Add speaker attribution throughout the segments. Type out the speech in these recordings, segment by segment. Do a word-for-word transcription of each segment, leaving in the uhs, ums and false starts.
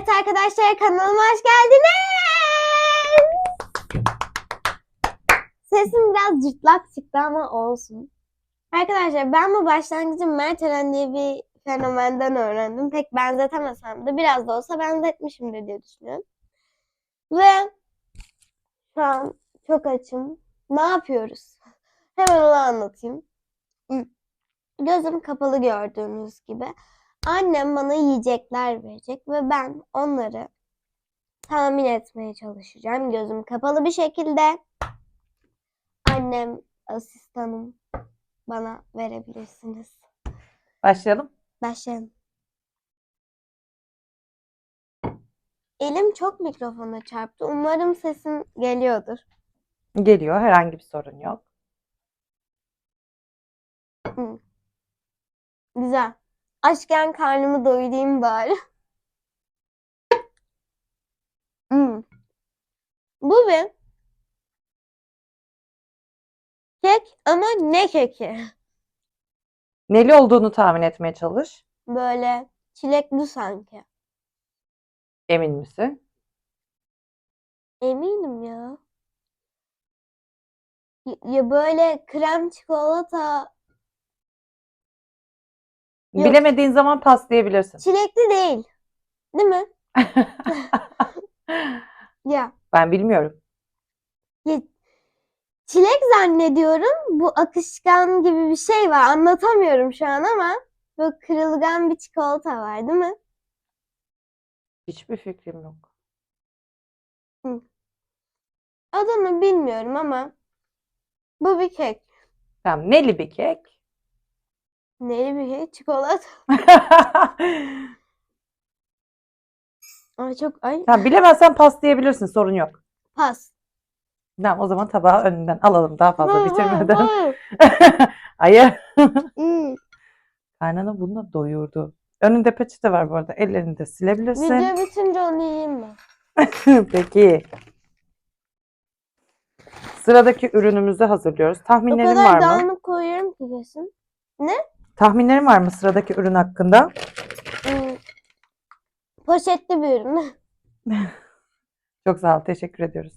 Speaker 1: Evet arkadaşlar, kanalıma hoş geldiniz. Sesim biraz cırtlak çıktı ama olsun. Arkadaşlar ben bu başlangıcı Mert Eren diye bir fenomenden öğrendim. Pek benzetemesem de biraz da olsa benzetmişimdir diye düşünüyorum. Ve şu an çok açım. Ne yapıyoruz? Hemen onu anlatayım. Gözüm kapalı gördüğünüz gibi. Annem bana yiyecekler verecek ve ben onları tahmin etmeye çalışacağım. Gözüm kapalı bir şekilde. Annem, asistanım, bana verebilirsiniz.
Speaker 2: Başlayalım.
Speaker 1: Başlayalım. Elim çok mikrofona çarptı. Umarım sesim geliyordur.
Speaker 2: Geliyor. Herhangi bir sorun yok.
Speaker 1: Hı. Güzel. Açken karnımı doyurayım bari. Hı. Bu bir kek ama ne keki?
Speaker 2: Neli olduğunu tahmin etmeye çalış.
Speaker 1: Böyle çilekli sanki.
Speaker 2: Emin misin?
Speaker 1: Eminim ya. Y- Ya böyle krem çikolata. Yok,
Speaker 2: Bilemediğin zaman paslayabilirsin.
Speaker 1: çilekli değil. Değil mi? Ya.
Speaker 2: Ben bilmiyorum.
Speaker 1: Ya, çilek zannediyorum. Bu akışkan gibi bir şey var. Anlatamıyorum şu an ama böyle kırılgan bir çikolata var, değil mi?
Speaker 2: Hiçbir fikrim yok.
Speaker 1: Hı. Adını bilmiyorum ama bu bir kek.
Speaker 2: Tamam. Neli bir kek.
Speaker 1: Neli bir kek? Çikolata. Ay çok ay.
Speaker 2: Tamam, bilemezsen paslayabilirsin. Sorun yok.
Speaker 1: Pas.
Speaker 2: Tamam, o zaman tabağı önünden alalım daha fazla
Speaker 1: Hayır, hayır,
Speaker 2: bitirmeden.
Speaker 1: hayır.
Speaker 2: Hayır.
Speaker 1: Hmm.
Speaker 2: Karnını bununla doyurdu. Önünde peçete var bu arada. Ellerini de silebilirsin.
Speaker 1: Video bitince onu yiyeyim mi?
Speaker 2: Peki. Sıradaki ürünümüzü hazırlıyoruz.
Speaker 1: O
Speaker 2: Tahminlerin
Speaker 1: kadar
Speaker 2: var mı?
Speaker 1: dağınık koyuyorum ki kesin. Ne?
Speaker 2: Tahminlerin var mı sıradaki ürün hakkında?
Speaker 1: Hmm. Poşetli bir ürün.
Speaker 2: Çok sağ ol. Teşekkür ediyoruz.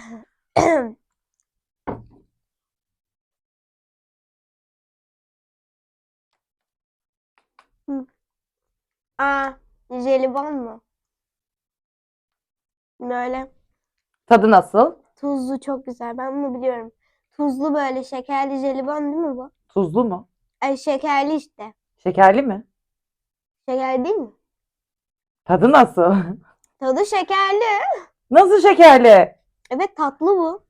Speaker 1: Hı. Aa, jelibon mu? Böyle
Speaker 2: Tadı nasıl?
Speaker 1: tuzlu, çok güzel. Ben bunu biliyorum. Tuzlu böyle şekerli jelibon değil mi bu?
Speaker 2: Tuzlu mu?
Speaker 1: Ay, şekerli işte.
Speaker 2: Şekerli mi?
Speaker 1: Şekerli değil mi?
Speaker 2: Tadı nasıl?
Speaker 1: Tadı şekerli.
Speaker 2: Nasıl şekerli?
Speaker 1: Evet, tatlı bu.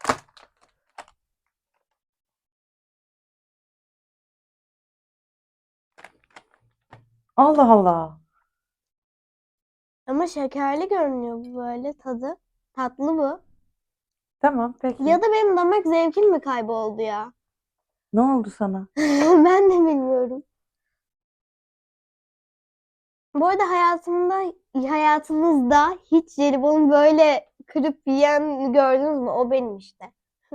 Speaker 2: Allah Allah.
Speaker 1: Ama şekerli görünüyor bu böyle tadı. Tatlı bu.
Speaker 2: Tamam, peki.
Speaker 1: Ya da benim damak zevkim mi kayboldu ya?
Speaker 2: Ne oldu sana?
Speaker 1: Ben de bilmiyorum. Bu arada hayatımda, hayatınızda hiç jelibonu böyle kırıp yiyen gördünüz mü? O benim işte.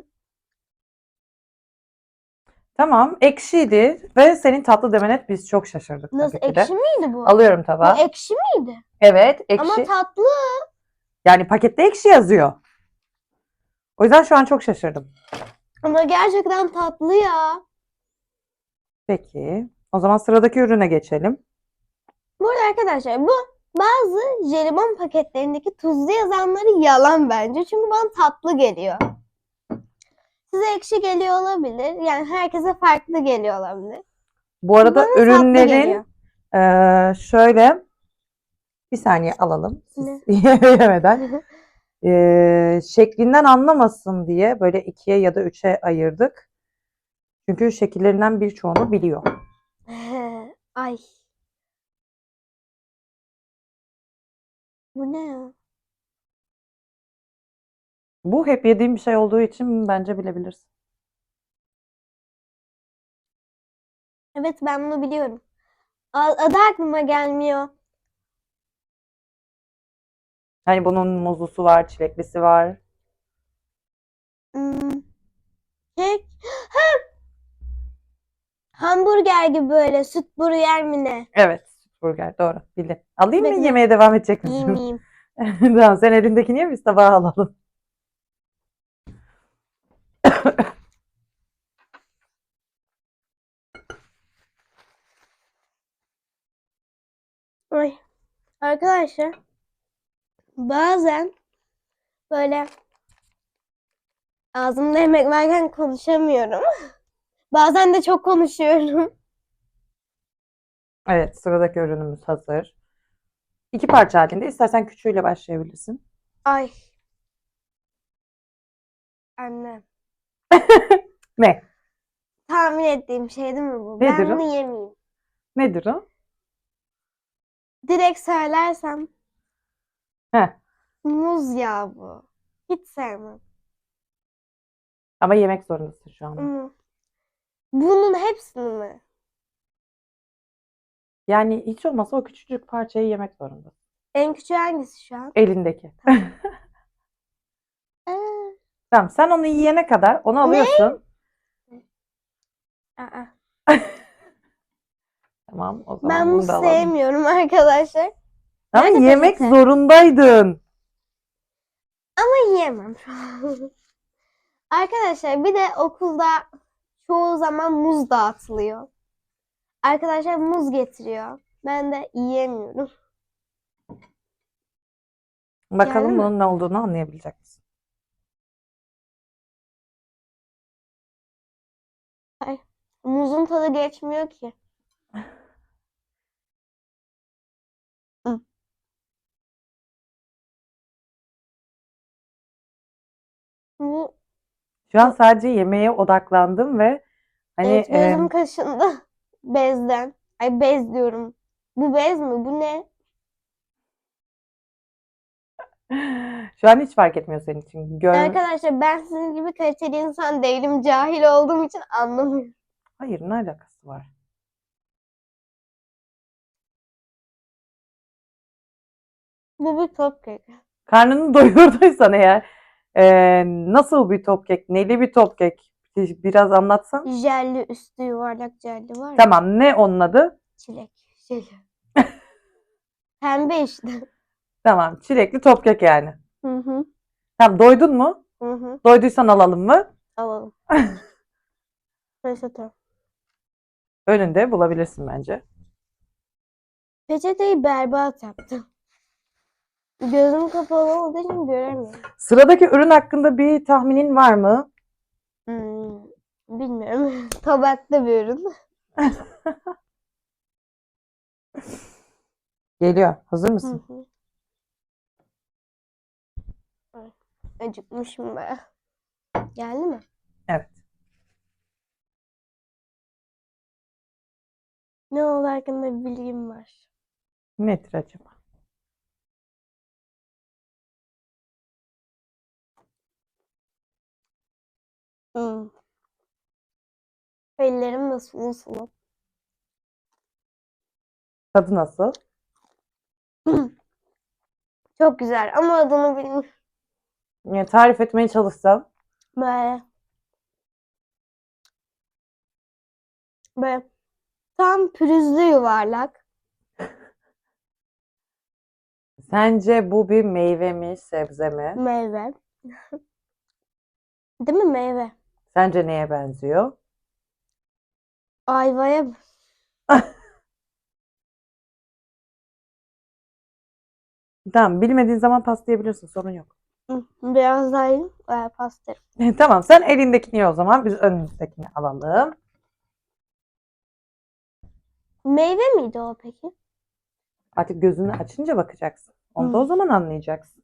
Speaker 2: Tamam, ekşiydi ve senin tatlı demene biz çok şaşırdık
Speaker 1: Nasıl,
Speaker 2: tabii ki de.
Speaker 1: ekşi miydi bu?
Speaker 2: Alıyorum
Speaker 1: Bu
Speaker 2: tabağı.
Speaker 1: ekşi miydi?
Speaker 2: Evet,
Speaker 1: Ama
Speaker 2: ekşi.
Speaker 1: tatlı.
Speaker 2: Yani pakette ekşi yazıyor. O yüzden şu an çok şaşırdım.
Speaker 1: Ama gerçekten tatlı ya.
Speaker 2: Peki. O zaman sıradaki ürüne geçelim.
Speaker 1: Bu arada arkadaşlar, bu bazı jelibon paketlerindeki tuzlu yazanları yalan bence. Çünkü bana tatlı geliyor. Size ekşi geliyor olabilir. Yani herkese farklı geliyor olabilir.
Speaker 2: Bu arada
Speaker 1: Bana tatlı
Speaker 2: ürünlerin
Speaker 1: geliyor.
Speaker 2: eee, şöyle bir saniye alalım. Siz
Speaker 1: Ne?
Speaker 2: yemeden. Eee, şeklinden anlamasın diye böyle ikiye ya da üçe ayırdık. Çünkü şekillerinden birçoğunu biliyor.
Speaker 1: Ay. Bu ne ya?
Speaker 2: Bu hep yediğim bir şey olduğu için bence bilebilirsin.
Speaker 1: Evet, ben bunu biliyorum. A- Adı aklıma gelmiyor.
Speaker 2: Hani bunun muzlusu var, çileklisi var.
Speaker 1: Hmm, kek. Ha! Hamburger gibi böyle süt burger mi ne?
Speaker 2: Evet, Burger doğru bildin. Alayım mı
Speaker 1: Bekle.
Speaker 2: yemeğe devam edecek misin?
Speaker 1: İyiyim iyiyim.
Speaker 2: Tamam sen elindekini ye biz tabağa alalım.
Speaker 1: Ay. Arkadaşlar bazen böyle ağzımda yemek varken konuşamıyorum. Bazen de çok konuşuyorum.
Speaker 2: Evet sıradaki ürünümüz hazır. İki parça halinde. İstersen küçüğüyle başlayabilirsin.
Speaker 1: Ay. Anne.
Speaker 2: Ne?
Speaker 1: Tahmin ettiğim şey değil mi bu?
Speaker 2: Nedir
Speaker 1: Ben
Speaker 2: o?
Speaker 1: bunu yemeyeyim.
Speaker 2: Nedir o?
Speaker 1: Direkt söylersem
Speaker 2: Heh.
Speaker 1: muz yağı bu. Hiç sevmem.
Speaker 2: Ama yemek zorundasın şu anda.
Speaker 1: Hmm. Bunun hepsini mi?
Speaker 2: Yani hiç olmazsa o küçücük parçayı yemek zorundasın.
Speaker 1: En küçüğü hangisi şu an?
Speaker 2: Elindeki.
Speaker 1: Aa,
Speaker 2: Tamam sen onu yiyene kadar onu alıyorsun.
Speaker 1: aa.
Speaker 2: Tamam o
Speaker 1: Ben
Speaker 2: zaman bunu
Speaker 1: muz
Speaker 2: da alalım.
Speaker 1: sevmiyorum arkadaşlar.
Speaker 2: Ama
Speaker 1: Nerede
Speaker 2: yemek
Speaker 1: peçete?
Speaker 2: zorundaydın.
Speaker 1: Ama yiyemem. Arkadaşlar bir de okulda çoğu zaman muz dağıtılıyor. Arkadaşlar muz getiriyor. Ben de yiyemiyorum.
Speaker 2: Bakalım
Speaker 1: Geldi mi?
Speaker 2: bunun ne olduğunu anlayabilecek misin?
Speaker 1: Ay, muzun tadı geçmiyor ki. Hı. Bu
Speaker 2: Şu an sadece yemeğe odaklandım ve hani
Speaker 1: evet, gözüm
Speaker 2: e,
Speaker 1: kaşındı. Bezden. Ay bez diyorum. Bu bez mi? Bu ne?
Speaker 2: şu an hiç fark etmiyor senin için. Gör...
Speaker 1: Arkadaşlar ben sizin gibi kaliteli insan değilim. Cahil olduğum için anlamıyorum.
Speaker 2: Hayır ne alakası var?
Speaker 1: Bu bir top kek.
Speaker 2: Karnını doyurduysan eğer e, nasıl bir top kek, neli bir top kek biraz anlatsan.
Speaker 1: Jelli üstü yuvarlak jelli var ya.
Speaker 2: Tamam ne onun adı?
Speaker 1: Çilek. Jeli. Pembe işte.
Speaker 2: Tamam çilekli top kek yani.
Speaker 1: Hı hı.
Speaker 2: Tamam doydun mu?
Speaker 1: Hı hı.
Speaker 2: Doyduysan alalım mı?
Speaker 1: Alalım. Peçete.
Speaker 2: Önünde bulabilirsin bence.
Speaker 1: Peçeteyi berbat yaptım. Gözüm kapalı olduğu için göremiyorum.
Speaker 2: Sıradaki ürün hakkında bir tahminin var mı?
Speaker 1: Hmm, bilmiyorum. Tabakta bir ürün.
Speaker 2: Geliyor. Hazır
Speaker 1: Hı
Speaker 2: mısın?
Speaker 1: hı. Ay, acıkmışım be. Geldi mi?
Speaker 2: Evet.
Speaker 1: Ne oldu hakkında bir bilgim var.
Speaker 2: Nedir acaba?
Speaker 1: Hmm. Ellerim de sulu sulu.
Speaker 2: Tadı nasıl?
Speaker 1: Çok güzel ama adını bilmiyorum.
Speaker 2: Yani tarif etmeye çalışsam.
Speaker 1: Böyle. Böyle. Tam pürüzlü yuvarlak.
Speaker 2: Sence bu bir meyve mi, sebze mi?
Speaker 1: Meyve. Değil mi meyve?
Speaker 2: Sence neye benziyor?
Speaker 1: Ayvaya mı?
Speaker 2: Tamam, bilmediğin zaman paslayabilirsin, sorun yok.
Speaker 1: Hı, biraz daha yiyeyim. Ee, pastır.
Speaker 2: Tamam, sen elindekini ye o zaman, biz önümüzdekini alalım.
Speaker 1: Meyve miydi o peki?
Speaker 2: Artık gözünü açınca bakacaksın. Onu da o
Speaker 1: Hı.
Speaker 2: zaman anlayacaksın.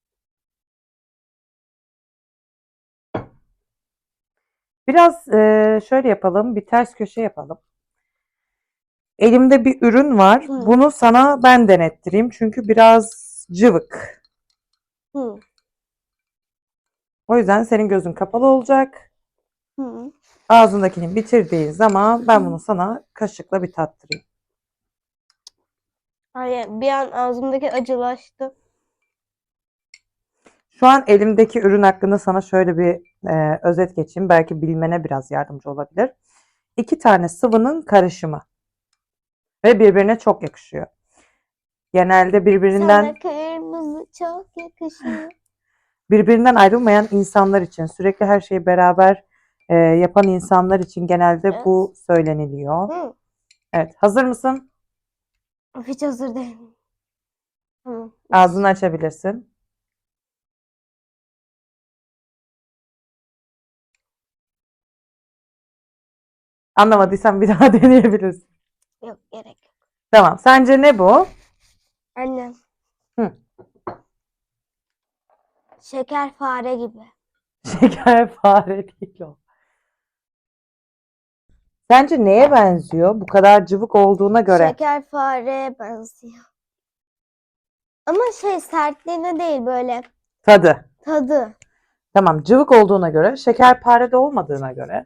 Speaker 2: Biraz e, şöyle yapalım, bir ters köşe yapalım. Elimde bir ürün var.
Speaker 1: Hı.
Speaker 2: Bunu sana ben denettireyim. Çünkü biraz cıvık.
Speaker 1: Hı.
Speaker 2: O yüzden senin gözün kapalı olacak.
Speaker 1: Hı.
Speaker 2: Ağzındakini bitirdiğin zaman ben bunu sana kaşıkla bir tattırayım.
Speaker 1: Hayır, bir an ağzımdaki acılaştı.
Speaker 2: Şu an elimdeki ürün hakkında sana şöyle bir e, özet geçeyim. Belki bilmene biraz yardımcı olabilir. İki tane sıvının karışımı. Ve birbirine çok yakışıyor. Genelde birbirinden
Speaker 1: Sana kırmızı çok yakışıyor.
Speaker 2: birbirinden ayrılmayan insanlar için, sürekli her şeyi beraber e, yapan insanlar için genelde
Speaker 1: Evet.
Speaker 2: bu söyleniliyor.
Speaker 1: Hı.
Speaker 2: Evet, hazır mısın?
Speaker 1: Of, hiç hazır değilim. Tamam.
Speaker 2: Ağzını açabilirsin. Anlamadıysan bir daha deneyebilirsin.
Speaker 1: Yok, gerek yok.
Speaker 2: Tamam. Sence ne bu?
Speaker 1: Annem.
Speaker 2: Hı.
Speaker 1: Şeker fare gibi.
Speaker 2: Şeker fare değil o. Sence neye benziyor? Bu kadar cıvık olduğuna göre.
Speaker 1: Şeker fareye benziyor. Ama şey, sertliğine değil, böyle
Speaker 2: Tadı.
Speaker 1: tadı.
Speaker 2: Tamam, cıvık olduğuna göre, şekerpare de olmadığına göre.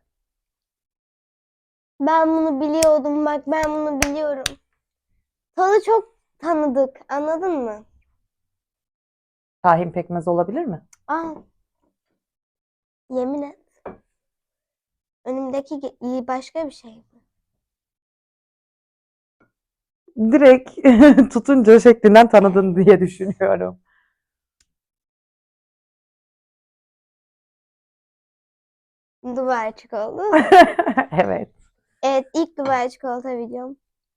Speaker 1: Ben bunu biliyordum, bak ben bunu biliyorum. Tadı çok tanıdık, anladın mı?
Speaker 2: Tahin pekmez olabilir mi?
Speaker 1: Aa, yemin et. Önümdeki ge- başka bir şey mi?
Speaker 2: Direkt tutunca şeklinden tanıdın diye düşünüyorum.
Speaker 1: Dubai çikolata.
Speaker 2: Evet.
Speaker 1: Evet, ilk Dubai çikolata videom.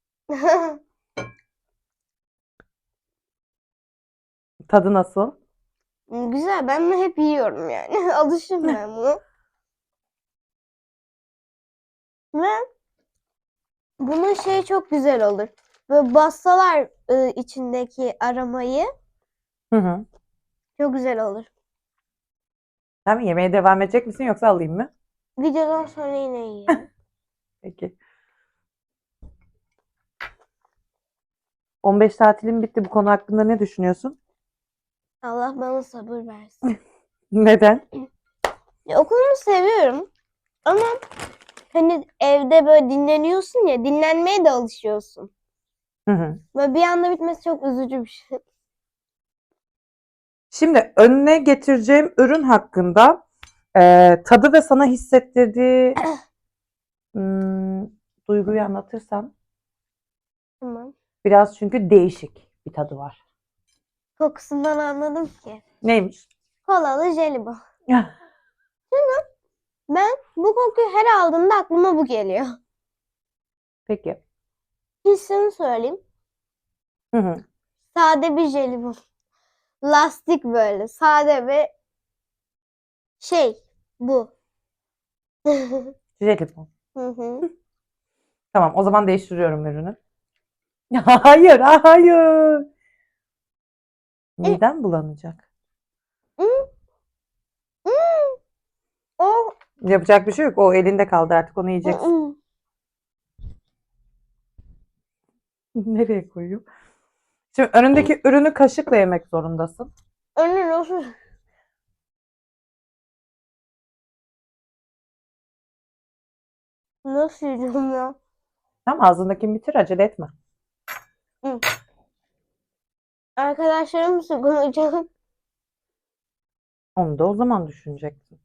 Speaker 2: Tadı nasıl?
Speaker 1: Güzel, ben bunu hep yiyorum yani. Alışım ben bunu. Ve bunun şeyi çok güzel olur. Böyle bassalar ı, içindeki aromayı,
Speaker 2: Hı hı.
Speaker 1: çok güzel olur.
Speaker 2: Sen mi yemeğe devam edecek misin yoksa alayım mı?
Speaker 1: Videodan sonra yine yiyelim.
Speaker 2: Peki. on beş tatilin bitti. Bu konu hakkında ne düşünüyorsun?
Speaker 1: Allah bana sabır versin.
Speaker 2: Neden?
Speaker 1: Ya, okulumu seviyorum ama hani evde böyle dinleniyorsun ya, dinlenmeye de alışıyorsun.
Speaker 2: Hı hı.
Speaker 1: Böyle bir anda bitmesi çok üzücü bir şey.
Speaker 2: Şimdi önüne getireceğim ürün hakkında e, tadı ve sana hissettirdiği hmm, duyguyu anlatırsam
Speaker 1: Tamam.
Speaker 2: biraz çünkü değişik bir tadı var.
Speaker 1: Kokusundan anladım ki.
Speaker 2: Neymiş?
Speaker 1: Kolalı jelibon. Ben bu kokuyu her aldığımda aklıma bu geliyor.
Speaker 2: Peki.
Speaker 1: Hissini söyleyeyim.
Speaker 2: Hı hı.
Speaker 1: Sade bir jelibon. Lastik böyle. Sade ve şey bu. Hı
Speaker 2: Jelibon.
Speaker 1: hı.
Speaker 2: Tamam, o zaman değiştiriyorum ürünü. Hayır, hayır. Midem bulanacak.
Speaker 1: Hı, hı. O
Speaker 2: Yapacak bir şey yok. O elinde kaldı artık. Onu yiyeceksin.
Speaker 1: hı.
Speaker 2: Nereye koyayım? Şimdi önündeki ürünü kaşıkla yemek zorundasın.
Speaker 1: Önü nasıl? Nasıl yiyeceğim ya?
Speaker 2: Tamam, ağzındakini bitir, acele etme.
Speaker 1: Hı. Arkadaşlarım sıkılacak.
Speaker 2: Onu da o zaman düşüneceksin.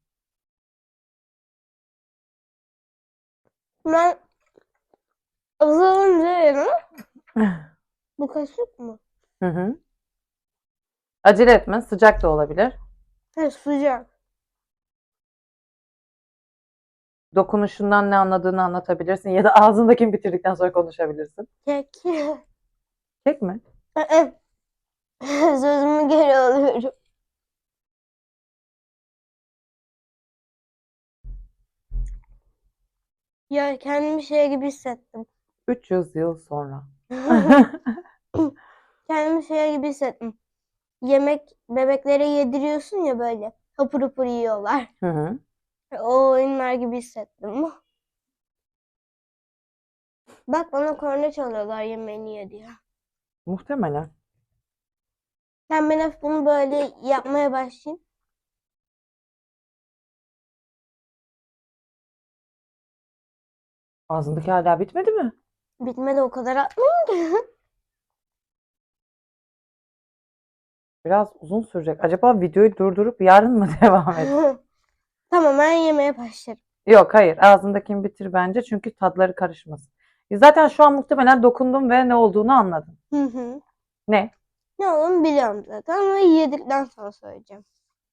Speaker 1: Ben ızığınca yerim. Bu kaşık mı?
Speaker 2: Hı hı. Acele etme. Sıcak da olabilir.
Speaker 1: Ha, sıcak.
Speaker 2: Dokunuşundan ne anladığını anlatabilirsin ya da ağzındakini bitirdikten sonra konuşabilirsin.
Speaker 1: Kek.
Speaker 2: Kek mi?
Speaker 1: Sözümü geri alıyorum. Ya, kendimi şey gibi hissettim.
Speaker 2: üç yüz yıl sonra.
Speaker 1: Kendimi şey gibi hissettim. Yemek bebeklere yediriyorsun ya, böyle hapur hapur yiyorlar.
Speaker 2: Hı hı.
Speaker 1: O oyunlar gibi hissettim. Bak, bana korna çalıyorlar yemeğini ye diye.
Speaker 2: Muhtemelen.
Speaker 1: Ben ben hafif bunu böyle yapmaya başlayayım.
Speaker 2: Ağzındaki hala bitmedi mi?
Speaker 1: Bitmedi, o kadar atmayayım ki.
Speaker 2: Biraz uzun sürecek. Acaba videoyu durdurup yarın mı devam et?
Speaker 1: Tamam, ben yemeye başlarım.
Speaker 2: Yok, hayır. Ağzındakini bitir bence çünkü tadları karışmasın. Zaten şu an muhtemelen dokundum ve ne olduğunu anladım.
Speaker 1: Hı hı.
Speaker 2: Ne?
Speaker 1: Ne olduğunu biliyorum zaten ama yedikten sonra söyleyeceğim.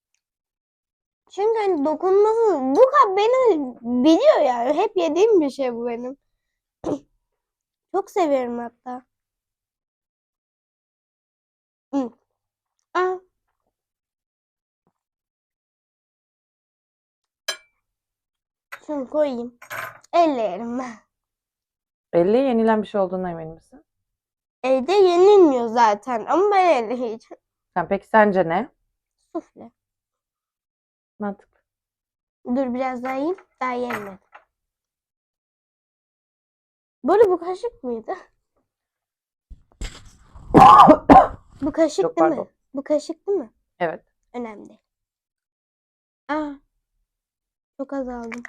Speaker 1: Çünkü hani dokunması bu kadar beni biliyor yani. Hep yediğim bir şey bu benim. Çok seviyorum hatta. Hı. Aa, şunu koyayım. Elle yerim ben.
Speaker 2: Elle yenilen bir şey olduğuna emin misin?
Speaker 1: Evde yenilmiyor zaten ama ben elle yiyeceğim.
Speaker 2: Sen peki sence ne?
Speaker 1: Sufle.
Speaker 2: Mantıklı.
Speaker 1: Dur biraz daha yiyeyim. Daha yemedim. Bu arada bu kaşık mıydı? Bu kaşık
Speaker 2: Çok
Speaker 1: değil
Speaker 2: pardon.
Speaker 1: mi? Bu kaşık değil mi?
Speaker 2: Evet.
Speaker 1: Önemli değil. Aa, çok az aldım.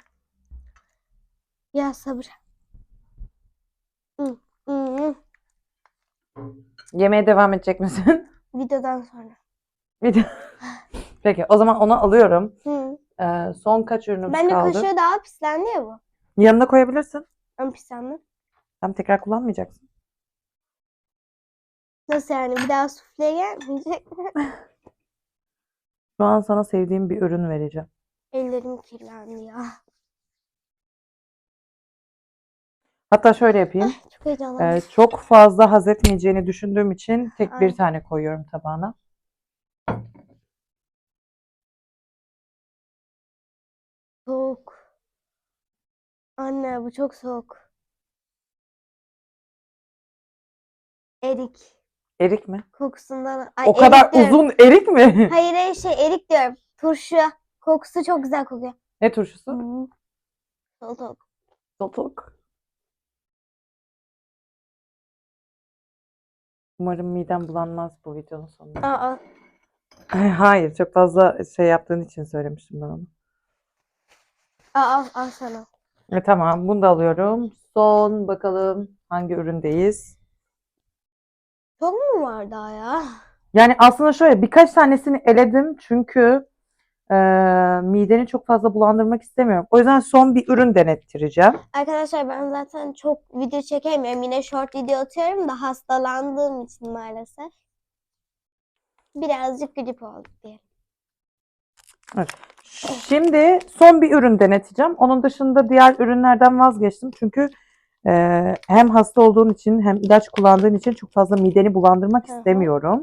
Speaker 1: Ya sabır. Hı, hı, hı.
Speaker 2: Yemeğe devam edecek misin?
Speaker 1: Videodan sonra.
Speaker 2: Video- Peki o zaman onu alıyorum.
Speaker 1: Hı.
Speaker 2: Ee, son kaç ürünümüz
Speaker 1: Bence
Speaker 2: kaldı?
Speaker 1: kaşığı daha pislendi ya bu.
Speaker 2: Yanına koyabilirsin.
Speaker 1: Ama pislendi.
Speaker 2: Tam tekrar kullanmayacaksın.
Speaker 1: Nasıl yani? Bir daha sufle gelmeyecek mi?
Speaker 2: Şu an sana sevdiğim bir ürün vereceğim.
Speaker 1: Ellerim kirlendi ya.
Speaker 2: Hatta şöyle yapayım.
Speaker 1: Ay, çok heyecanlandım.
Speaker 2: Ee, çok fazla haz etmeyeceğini düşündüğüm için tek bir
Speaker 1: Ay.
Speaker 2: tane koyuyorum tabağına.
Speaker 1: Soğuk. Anne bu çok soğuk. Erik.
Speaker 2: Erik mi?
Speaker 1: Kokusundan. Ay,
Speaker 2: O kadar
Speaker 1: erik diyorum.
Speaker 2: uzun erik mi?
Speaker 1: Hayır hayır şey erik diyorum. Turşu. Kokusu çok güzel kokuyor.
Speaker 2: Ne turşusu?
Speaker 1: Hmm. Soğuk.
Speaker 2: Salatalık. Umarım midem bulanmaz bu videonun sonunda.
Speaker 1: Aa.
Speaker 2: Ay, hayır, çok fazla şey yaptığın için söylemiştim ben onu.
Speaker 1: Aa al sana.
Speaker 2: E, tamam, bunu da alıyorum. Son bakalım hangi üründeyiz.
Speaker 1: Çok mu var daha ya?
Speaker 2: Yani aslında şöyle birkaç tanesini eledim çünkü e, mideni çok fazla bulandırmak istemiyorum. O yüzden son bir ürün denettireceğim.
Speaker 1: Arkadaşlar ben zaten çok video çekemiyorum. Yine short video atıyorum da hastalandığım için maalesef. Birazcık grip olduk diyelim.
Speaker 2: Şimdi son bir ürün deneteceğim. Onun dışında diğer ürünlerden vazgeçtim. Çünkü e, hem hasta olduğun için hem ilaç kullandığın için çok fazla mideni bulandırmak
Speaker 1: Hı hı.
Speaker 2: istemiyorum.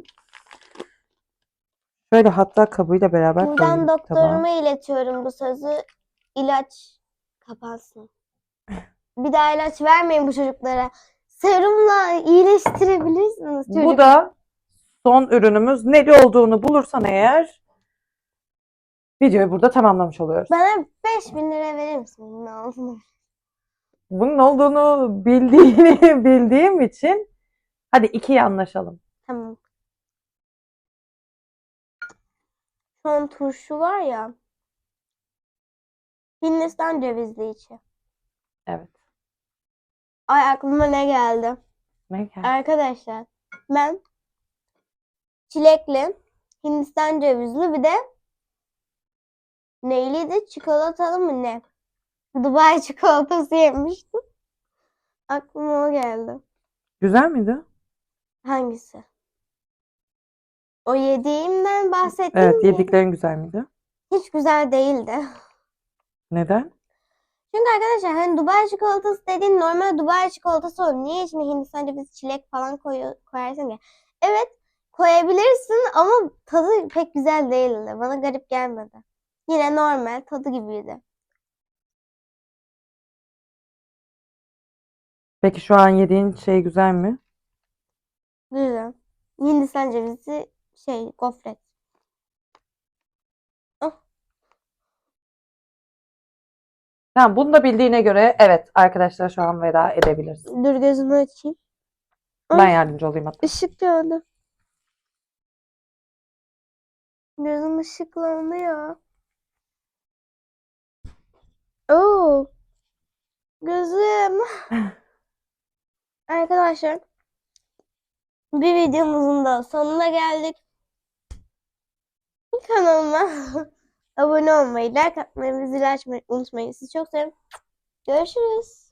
Speaker 2: Şöyle hatta kabıyla beraber
Speaker 1: Buradan
Speaker 2: koyayım tabağa.
Speaker 1: doktoruma iletiyorum bu sözü. İlaç kapansın. Bir daha ilaç vermeyin bu çocuklara. Serumla iyileştirebilirsiniz çocuk.
Speaker 2: Bu da son ürünümüz. Neli olduğunu bulursan eğer videoyu burada tamamlamış oluyoruz.
Speaker 1: Bana beş bin lira verir misin bunun altına?
Speaker 2: Bunun olduğunu bildiğini bildiğim için hadi ikiye anlaşalım.
Speaker 1: Tamam. Son turşu var ya. Hindistan cevizli içi.
Speaker 2: Evet.
Speaker 1: Ay aklıma ne geldi?
Speaker 2: Ne geldi?
Speaker 1: Arkadaşlar ben çilekli, Hindistan cevizli bir de neyliydi? Çikolatalı mı ne? Dubai çikolatası yemiştim. Aklıma o geldi.
Speaker 2: Güzel miydi?
Speaker 1: Hangisi? O yediğimden bahsettim
Speaker 2: Evet,
Speaker 1: mi?
Speaker 2: yediklerin güzel miydi?
Speaker 1: Hiç güzel değildi.
Speaker 2: Neden?
Speaker 1: Çünkü arkadaşlar hani Dubai çikolatası dediğin normal Dubai çikolatası olur. Niye içine Hindistan cevizi, çilek falan koyu, koyarsın ya? Evet koyabilirsin ama tadı pek güzel değildi. Bana garip gelmedi. Yine normal tadı gibiydi.
Speaker 2: Peki şu an yediğin şey güzel mi?
Speaker 1: Güzel. Hindistan cevizi şey gofret. Ah,
Speaker 2: Tamam, bunu da bildiğine göre evet arkadaşlar şu an veda edebilirsin.
Speaker 1: dur gözümü açayım.
Speaker 2: Ben
Speaker 1: Ay,
Speaker 2: yardımcı olayım hatta.
Speaker 1: ışık gördüm. Gözüm ışıklandı ya. Oo, gözüm. Arkadaşlar bir videomuzun da sonuna geldik. Kanalıma abone olmayı, like atmayı ve zil açmayı unutmayın. Sizi çok seviyorum. Görüşürüz.